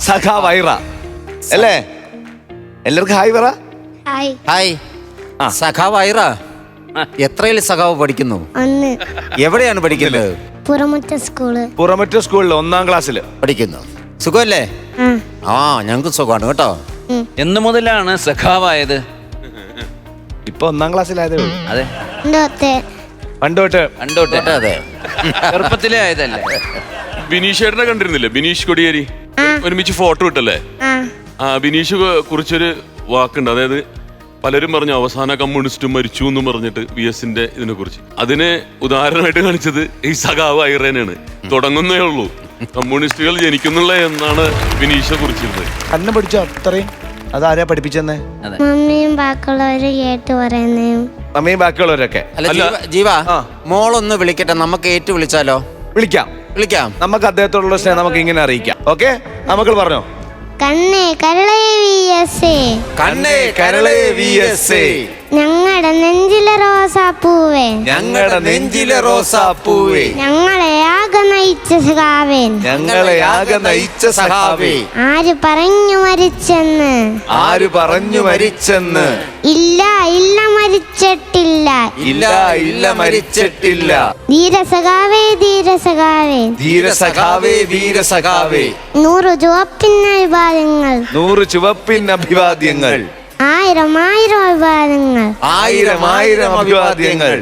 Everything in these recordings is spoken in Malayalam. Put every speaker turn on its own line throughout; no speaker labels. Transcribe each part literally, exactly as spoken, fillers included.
സഖാവ് ഐറ അല്ലേ? എല്ലാവർക്കും ഹായ് പറ.
ഹായ്.
ഹായ്. സഖാവ് ഐറ എത്രയിൽ സഖാവ് പഠിക്കുന്നു?
ഒന്ന്.
എവിടെയാണ് പഠിക്കുന്നത്?
പുറമുറ്റ സ്കൂള്.
പുറമറ്റ സ്കൂളിൽ ഒന്നാം ക്ലാസ്സിൽ
പഠിക്കുന്നു. സുഖമല്ലേ? ആ ഞങ്ങൾക്ക് സുഖമാണ് കേട്ടോ.
എന്ന് മുതലാണ് സഖാവായത്?
ഇപ്പൊ ഒന്നാം ക്ലാസ്സിലായതേ ഉള്ളൂ.
അതെ,
പണ്ടോട്ട്
പണ്ടോട്ടെ.
അതെ,
ചെറുപ്പത്തിലേ ആയതല്ലേ?
ബിനീഷ് ചേട്ടനെ കണ്ടിരുന്നില്ലേ? ബിനീഷ് കൊടിയേരി ഒരുമിച്ച് ഫോട്ടോ ഇട്ടല്ലേ? ആ ബിനീഷ് കുറിച്ചൊരു വാക്കുണ്ട്, അതായത് പലരും പറഞ്ഞു അവസാന കമ്മ്യൂണിസ്റ്റ് മരിച്ചു എന്ന് പറഞ്ഞിട്ട് വി എസിന്റെ ഇതിനെ കുറിച്ച്. അതിന് ഉദാഹരണമായിട്ട് കാണിച്ചത് ഈ സഖാവ് ഐറേനാണ്. തുടങ്ങുന്നേ ഉള്ളൂ, കമ്മ്യൂണിസ്റ്റുകൾ ജനിക്കുന്നുള്ള എന്നാണ് ബിനീഷെ കുറിച്ചിരുന്നത്.
അന്നെ പഠിച്ചോ അത്രയും? അതാരാ പഠിപ്പിച്ചെന്നേ?
മമ്മിയും ബാക്കിയുള്ളവര് കേട്ട് പറയുന്നതും.
മമ്മിയും ബാക്കിയുള്ളവരൊക്കെ.
അല്ല ജീവ, മോളൊന്ന് വിളിക്കട്ടെ, നമുക്ക് ഏറ്റു വിളിച്ചാലോ?
വിളിക്കാം
വിളിക്കാം.
നമുക്ക് അദ്ദേഹത്തോടുള്ള സ്നേഹം നമുക്ക് ഇങ്ങനെ അറിയിക്കാം. ഓക്കെ, നമുക്ക് പറഞ്ഞോ.
കണ്ണേ കരളേ വി എസ് എ,
കണ്ണേ കരളേ വി എസ് എ,
ഞങ്ങളുടെ നെഞ്ചിലെ റോസാപ്പൂവേ,
ഞങ്ങളുടെ നെഞ്ചിലെ റോസാപ്പൂവേ,
ഞങ്ങളെ ആകെ നയിച്ച സഖാവേൻ,
ഞങ്ങളെ ആകെ നയിച്ച സഖാവേ,
ആര് പറഞ്ഞു മരിച്ചെന്ന്,
ആര് പറഞ്ഞു മരിച്ചെന്ന്,
ഇല്ല ഇല്ല മരിച്ചിട്ടില്ല,
ഇല്ല ഇല്ല മരിച്ചിട്ടില്ല,
ധീരസഖാവേ ധീരസഖാവേ,
ധീരസഖാവേ വീരസഖാവേ,
നൂറ് ചുവപ്പിന് അഭിവാദ്യങ്ങൾ,
നൂറ് ചുവപ്പിൻ അഭിവാദ്യങ്ങൾ,
ആയിരം ആയിരം അഭിവാദ്യങ്ങൾ,
ആയിരം ആയിരം അഭിവാദ്യങ്ങൾ.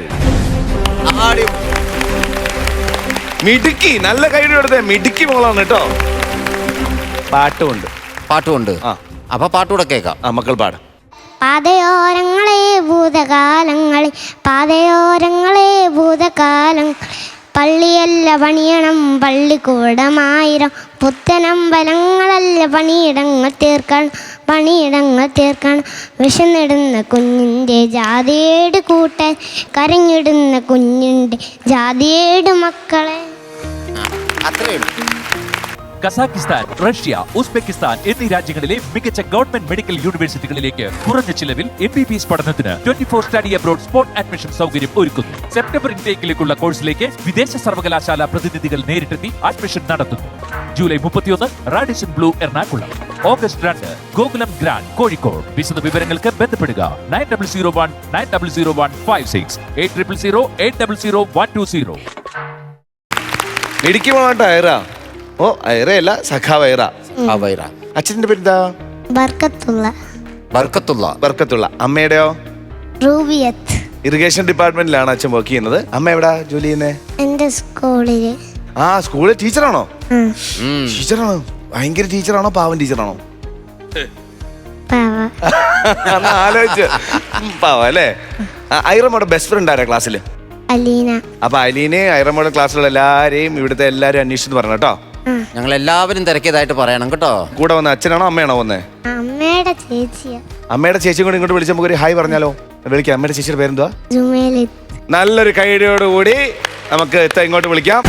മിടുക്കി, നല്ല കൈയുടെ എടുത്തേ, മിടുക്കി മോളാണ് കേട്ടോ. പാട്ടുമുണ്ട്.
പാട്ടുമുണ്ട്.
ആ
അപ്പൊ പാട്ടുകൂടെ കേൾക്കാം.
ആ മക്കൾ പാടാം.
പാതയോരങ്ങളെ ഭൂതകാലങ്ങളെ, പാതയോരങ്ങളെ ഭൂതകാലം, പള്ളിയല്ല പണിയണം പള്ളിക്കൂടമായിരം, പുത്തനമ്പലങ്ങളല്ല പണിയിടങ്ങൾ തീർക്കണം, പണിയിടങ്ങൾ തീർക്കണം, വിശന്നിടുന്ന കുഞ്ഞിൻ്റെ ജാതിയേട് കൂട്ടാൻ, കരഞ്ഞിടുന്ന കുഞ്ഞിൻ്റെ ജാതിയേട് മക്കളെ.
അത്രയുള്ളൂ.
കസാക്കിസ്ഥാൻ, റഷ്യ, ഉസ്ബെക്കിസ്ഥാൻ എന്നീ രാജ്യങ്ങളിലെ മികച്ച ഗവൺമെന്റ് മെഡിക്കൽ യൂണിവേഴ്സിറ്റികളിലേക്ക് കുറഞ്ഞ ചിലവിൽ എം ബി ബി എസ് പഠനത്തിന് twenty four study abroad spot admission സൗകര്യം ഒരുക്കുന്നു. സെപ്റ്റംബർ ഇൻടേക്കിലേക്കുള്ള കോഴ്സിലേക്ക് വിദേശ സർവകലാശാല പ്രതിനിധികൾ നേരിട്ടെത്തി അഡ്മിഷൻ നടത്തുന്നു. ജൂലൈ മുപ്പത്തിയൊന്ന് റാഡിഷൻ ബ്ലൂ എറണാകുളം, ഓഗസ്റ്റ് രണ്ട് ഗോകുലം ഗ്രാൻഡ് കോഴിക്കോട്. വിശദ വിവരങ്ങൾക്ക് ബന്ധപ്പെടുക nine double zero one nine double zero one five six eight triple zero eight double zero one two zero.
മിടുക്കി മോളാട്ടോ ഐറ. ഓ ഐറയല്ല, സഖാവ് ഐറ.
ഐറ.
അച്ഛൻ്റെ പേരെന്താ?
ബർക്കത്തുള്ള.
ബർക്കത്തുള്ള.
ബർക്കത്തുള്ള. അമ്മയുടെയോ?
റൂബിയത്ത്.
ഇറിഗേഷൻ ഡിപ്പാർട്ട്മെന്റിലാണ് അച്ഛൻ വർക്ക് ചെയ്യുന്നത്. അമ്മ എവിടാ ജോലി ചെയ്യുന്നേ?
എന്റെ സ്കൂളില്.
ആ സ്കൂളിൽ ടീച്ചറാണോ? ടീച്ചറാണോ? ഭയങ്കര ടീച്ചറാണോ പാവൻ ടീച്ചറാണോ? ആലോചിച്ച് പാവ അല്ലേ. ഐറമ്മയുടെ ബെസ്റ്റ് ഫ്രണ്ട് ആരാ ക്ലാസ്സില്?
അലീന.
അപ്പൊ അലീനെ ഐറമ്മയുടെ ക്ലാസ്സിലുള്ള എല്ലാരെയും ഇവിടുത്തെ എല്ലാരും അന്വേഷിച്ചു പറഞ്ഞു കേട്ടോ.
ഞങ്ങൾ എല്ലാവരും തിരക്കിയതായിട്ട് പറയണം കേട്ടോ.
കൂടെ വന്ന അച്ഛനാണോ അമ്മയാണോ വന്നേ?
അമ്മയുടെ ചേച്ചിയാ. അമ്മയുടെ
ചേച്ചി കൂടെ ഇങ്ങോട്ട് വിളിച്ച നമുക്ക് ഒരു ഹായ് പറഞ്ഞാലോ? വിളിക്കാം. അമ്മയുടെ ചേച്ചിയുടെ പേരെന്തുവാ?
ജുമേലിത്ത്.
നല്ലൊരു കൈയോടുകൂടി നമുക്ക് ഇങ്ങോട്ട് വിളിക്കാം.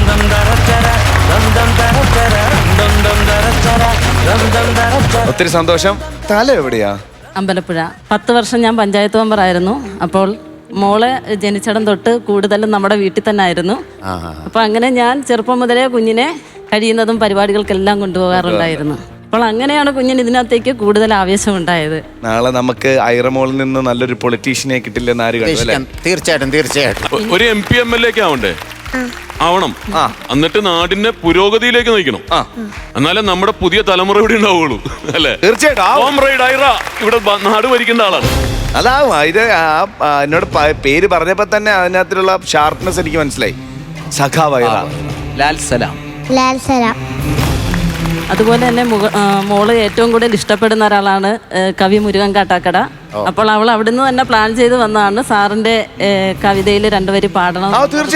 ഒത്തിരി സന്തോഷം. തല എവിടെയാ?
അമ്പലപ്പുഴ. പത്ത് വർഷം ഞാൻ പഞ്ചായത്ത് മെമ്പറായിരുന്നു. അപ്പോൾ മോളെ ജനിച്ചടം തൊട്ട് കൂടുതലും നമ്മുടെ വീട്ടിൽ തന്നെ ആയിരുന്നു. അപ്പൊ അങ്ങനെ ഞാൻ ചെറുപ്പം മുതലേ കുഞ്ഞിനെ കഴിയുന്നതും പരിപാടികൾക്കെല്ലാം കൊണ്ടുപോകാറുണ്ടായിരുന്നു. അപ്പോൾ അങ്ങനെയാണ് കുഞ്ഞിന് ഇതിനകത്തേക്ക് കൂടുതൽ ആവേശം ഉണ്ടായത്.
നാളെ നമുക്ക് ഐറമോളിൽ നിന്ന് നല്ലൊരു പൊളിറ്റീഷ്യനെ കിട്ടില്ലെന്ന് ആര് കണ്ടു അല്ലേ?
തീർച്ചയായിട്ടും തീർച്ചയായിട്ടും.
ഒരു M P M L A ഒക്കെ ആവണ്ടേ? ആവണം. എന്നിട്ട് നാടിന്റെ പുരോഗതിയിലേക്ക് നയിക്കണം. എന്നാലേ നമ്മുടെ പുതിയ തലമുറ ഇവിടെ ഉണ്ടാവുള്ളൂ അല്ലേ?
തീർച്ചയായിട്ടും.
ഇവിടെ നാട് ഭരിക്കേണ്ട ആളാണ്.
അതാവും. ഇത് എന്നോട് പേര് പറഞ്ഞപ്പോ തന്നെ അതിനകത്തുള്ള ഷാർപ്നെസ് എനിക്ക് മനസ്സിലായി. സഖാവ് ഐറ.
ലാൽ സലാം.
ലാൽ സലാം.
അതുപോലെ തന്നെ മോള് ഏറ്റവും കൂടുതൽ ഇഷ്ടപ്പെടുന്ന ഒരാളാണ് കവി മുരുകൻ കാട്ടാക്കട. അപ്പോൾ അവൾ അവിടുന്ന് തന്നെ പ്ലാൻ ചെയ്ത് വന്നതാണ് സാറിന്റെ കവിതയിൽ രണ്ടുപേര് പാടണം.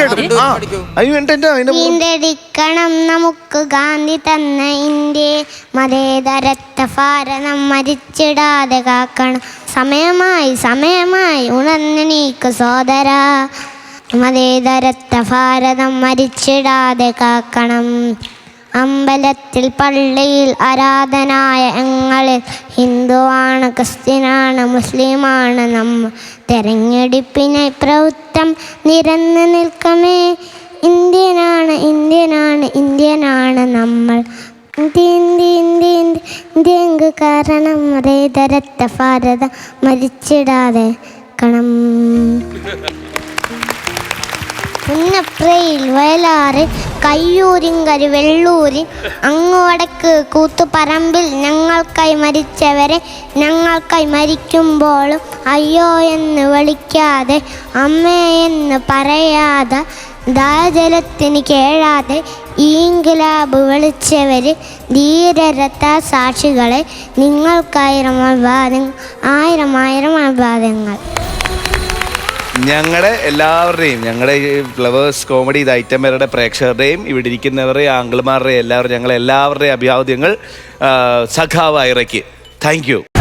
വീണ്ടെടുക്കണം നമുക്ക് ഗാന്ധി തന്ന ഇന്ത്യ, മതേതരത്വ ഭാരതം മരിച്ചിടാതെ കാക്കണം, സമയമായി സമയമായി ഉണർന്നെണീക്ക് സോദര, മതേതരത്വ ഭാരതം മരിച്ചിടാതെ കാക്കണം. അമ്പലത്തിൽ പള്ളിയിൽ ആരാധനായ ഞങ്ങളിൽ ഹിന്ദുവാണ് ക്രിസ്ത്യനാണ് മുസ്ലിമാണ് നമ്മൾ, തെരഞ്ഞെടുപ്പിനെ പ്രവൃത്തം നിരന്ന് നിൽക്കമേ, ഇന്ത്യനാണ് ഇന്ത്യനാണ് ഇന്ത്യനാണ് നമ്മൾ, ഇന്ത്യ ഇന്ത്യ ഇന്ത്യ പങ്ക് കാരണം റേതരത്ത ഭാരത മരിച്ചിടാതെ കണം പുന്നപ്രയിൽ വയലാറ് കയ്യൂരിങ്കരി വെള്ളൂരി അങ്ങു വടക്ക് കൂത്തുപറമ്പിൽ ഞങ്ങൾക്കായി മരിച്ചവരെ ഞങ്ങൾക്കായി മരിക്കുമ്പോഴും അയ്യോ എന്ന് വിളിക്കാതെ അമ്മേ എന്ന് പറയാതെ ദാജലത്തിന് കേഴാതെ ഈങ്കിലാബ് വിളിച്ചവര് ധീരരത്ത സാക്ഷികളെ നിങ്ങൾക്കായിരം അഭിവാദങ്ങൾ ആയിരം ആയിരം അഭിവാദങ്ങൾ.
ഞങ്ങളുടെ എല്ലാവരുടെയും ഞങ്ങളുടെ ഈ ഫ്ലവേഴ്സ് കോമഡി ഇത് ഐറ്റംവരുടെ പ്രേക്ഷകരുടെയും ഇവിടെ ഇരിക്കുന്നവരുടെ ആംഗിൾമാരുടെയും എല്ലാവരും ഞങ്ങളെല്ലാവരുടെയും അഭിവാദ്യങ്ങൾ സഖാവ് ഐറയ്ക്ക്. Thank you.